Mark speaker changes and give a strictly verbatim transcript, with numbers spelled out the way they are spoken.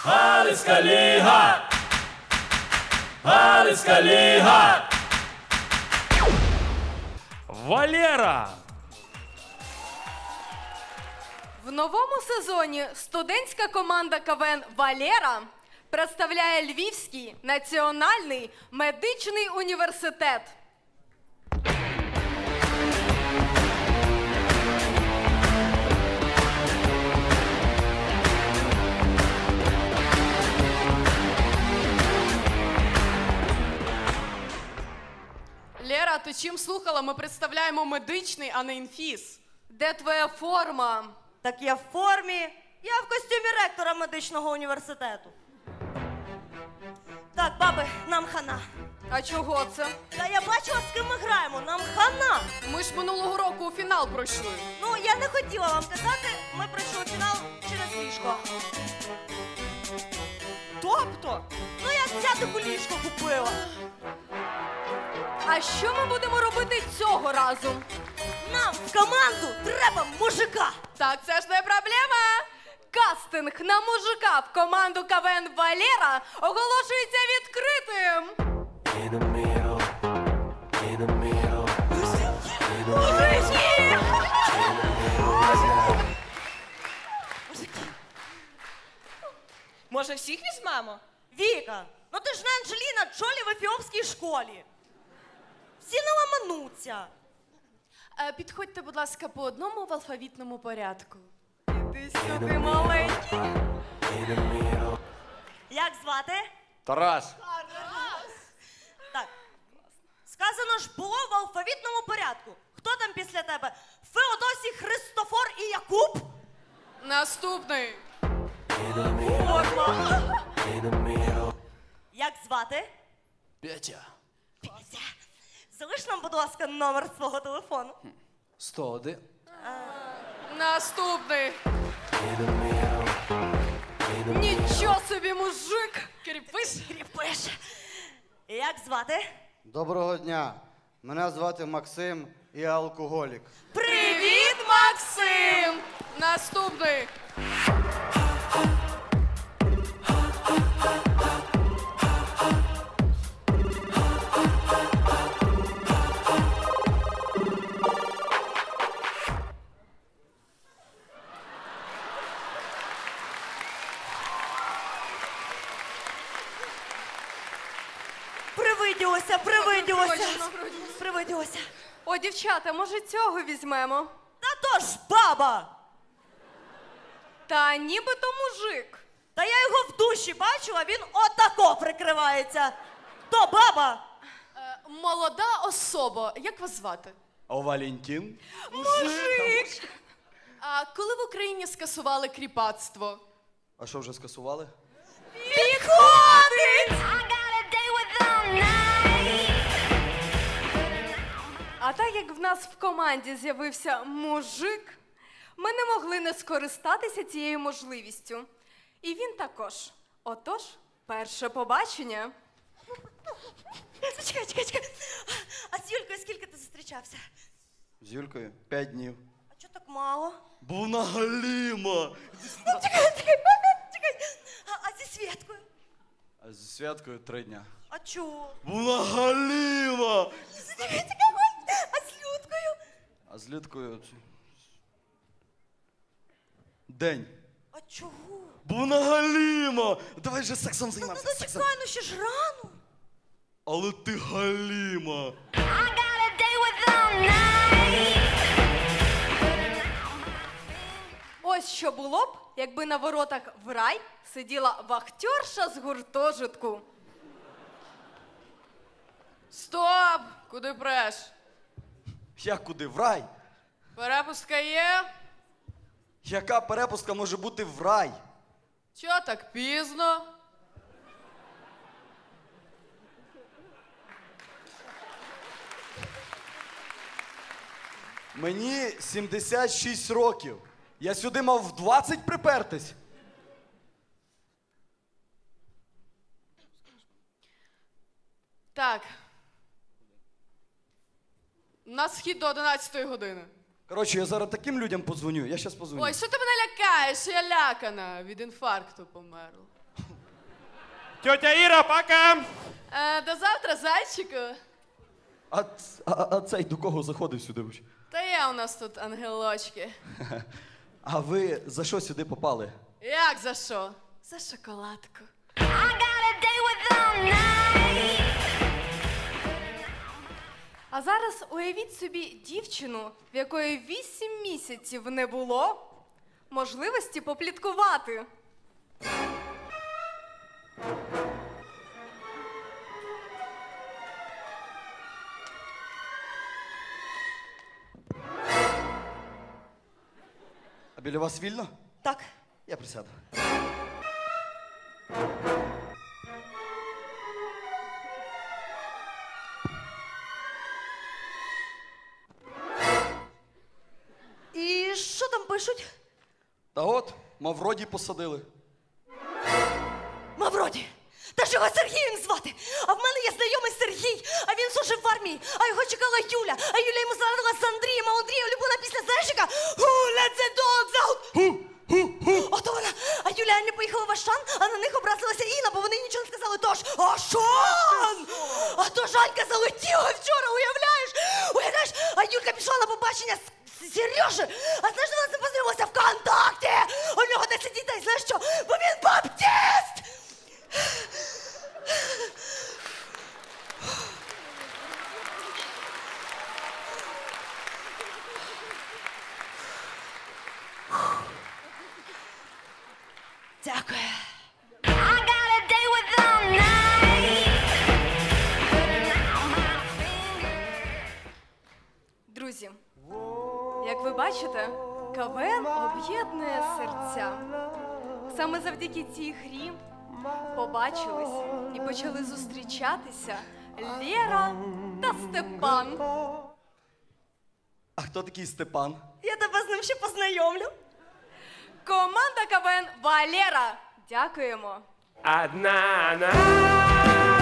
Speaker 1: Галицька ліга! Галицька ліга! Валера!
Speaker 2: В новому сезоні студентська команда КВН «Валера» представляє Львівський національний медичний університет.
Speaker 3: Лера, ти чим слухала? Ми представляємо медичний, а не інфіз.
Speaker 2: Де твоя форма?
Speaker 4: Так я в формі. Я в костюмі ректора медичного університету. Так, баби, нам хана.
Speaker 2: А чого це?
Speaker 4: Та я бачила, з ким ми граємо. Нам хана.
Speaker 3: Ми ж минулого року у фінал пройшли.
Speaker 4: Ну, я не хотіла вам казати, ми пройшли фінал через ліжко. Тобто? Ну, я взятику ліжко купила.
Speaker 2: А що ми будемо робити цього разу?
Speaker 4: Нам в команду треба мужика.
Speaker 2: Так, це ж не проблема. Кастинг на мужика в команду КВН «Валера» оголошується відкритим.
Speaker 4: Мужики!
Speaker 5: Може, всіх візьмемо?
Speaker 4: Віка, ну ти ж не Анджеліна Джолі в ефіопській школі. Всі не ламануться.
Speaker 3: Е, підходьте, будь ласка, по одному в алфавітному порядку.
Speaker 2: Іди сюди, маленький.
Speaker 4: Як звати?
Speaker 1: Тарас!
Speaker 4: Так. Сказано ж було в алфавітному порядку. Хто там після тебе? Феодосій, Христофор і Якуб?
Speaker 3: Наступний.
Speaker 4: Форма. Як звати?
Speaker 1: Петя!
Speaker 4: Петя. Залиш нам, будь ласка, номер свого телефону.
Speaker 1: сто один.
Speaker 3: Наступний.
Speaker 2: Нічого собі, мужик.
Speaker 3: Кріпиш?
Speaker 4: Кріпиш. Як звати?
Speaker 6: Доброго дня. Мене звати Максим і я алкоголік.
Speaker 3: Привіт, Максим! Наступний.
Speaker 4: Привиділося, привиділося.
Speaker 2: Точно.
Speaker 4: Привиділося.
Speaker 2: О, дівчата, може цього візьмемо?
Speaker 4: Та то ж баба.
Speaker 2: Та нібито мужик.
Speaker 4: Та я його в душі бачила, він отако прикривається. То баба.
Speaker 3: Е, молода особа. Як вас звати?
Speaker 1: А Валентин?
Speaker 2: Мужик!
Speaker 3: А коли в Україні скасували кріпацтво?
Speaker 6: А що вже скасували?
Speaker 2: Підходить! А так як в нас в команді з'явився мужик, ми не могли не скористатися цією можливістю. І він також. Отож, перше побачення.
Speaker 4: Чекай, чекай, чекай. А з Юлькою скільки ти зустрічався?
Speaker 6: З Юлькою? П'ять днів.
Speaker 4: А чого так мало?
Speaker 1: Був на Галіма!
Speaker 4: Ну, чекай, чекай, чекай. А, а зі Свєткою?
Speaker 6: А зі Святкою три дня.
Speaker 4: А чого?
Speaker 1: Був на Галіма!
Speaker 4: Чекай, чекай, ой. А з Людкою?
Speaker 6: А з Людкою... День.
Speaker 4: А чого?
Speaker 1: Був на Галіма! Давай же сексом
Speaker 4: Ну,
Speaker 1: займався,
Speaker 4: ну,
Speaker 1: сексом!
Speaker 4: чекай, ну ще ж рано.
Speaker 1: Але ти Галіма!
Speaker 2: Ось що було б, якби на воротах в рай сиділа вахтерша з гуртожитку.
Speaker 3: Стоп! Куди преш?
Speaker 6: Як куди? В рай?
Speaker 3: Перепустка є?
Speaker 6: Яка перепустка може бути в рай?
Speaker 3: Чого так пізно?
Speaker 6: Мені сімдесят шість років. Я сюди мав в двадцять припертись.
Speaker 3: Так. На схід до одинадцятої години.
Speaker 6: Коротше, я зараз таким людям подзвоню. Я щас подзвоню.
Speaker 3: Ой, що ти мене лякаєш? Я лякана. Від інфаркту померла.
Speaker 5: Тетя Іра, пока!
Speaker 3: Е, до завтра, зайчику.
Speaker 6: А, ц- а, а цей до кого заходив сюди? вообще?
Speaker 3: Та є у нас тут ангелочки.
Speaker 6: А ви за що сюди попали?
Speaker 3: Як за що? За шоколадку.
Speaker 2: А зараз уявіть собі дівчину, в якої вісім місяців не було можливості попліткувати.
Speaker 6: А біля вас вільно?
Speaker 4: Так.
Speaker 6: Я присяду.
Speaker 4: І що там пишуть?
Speaker 6: Та от, Мавроді посадили.
Speaker 4: Мавроді! Та ж його Сергієм звати! А в мене є знайомий Сергій, а він служив в армії, а його чекала Юля, а Юля йому зрадила з Андрієм, а у Андрія улюблена пісня, знаєш яка? Who let the dogs out? Ото вона! А Юля і Аня поїхала в Ашан, а на них образилася Інна, бо вони нічого не сказали. Тож, Ашан! А то Жанька залетіла вчора, уявляєш? Уявляєш? А Юлька пішла на побачення з Сережі, а знаєш, вона з ним познайомилася ВКонтакті! У нього десять дітей, знаєш що? Бо він баптист! Дякую.
Speaker 2: Друзі, як ви бачите, КВН об'єднує серця. Саме завдяки цій грі побачились і почали зустрічатися Лєра та Степан.
Speaker 6: А хто такий Степан?
Speaker 4: Я тебе з ним ще познайомлю.
Speaker 2: Команда КВН Валера. Дякуємо.
Speaker 5: Одна она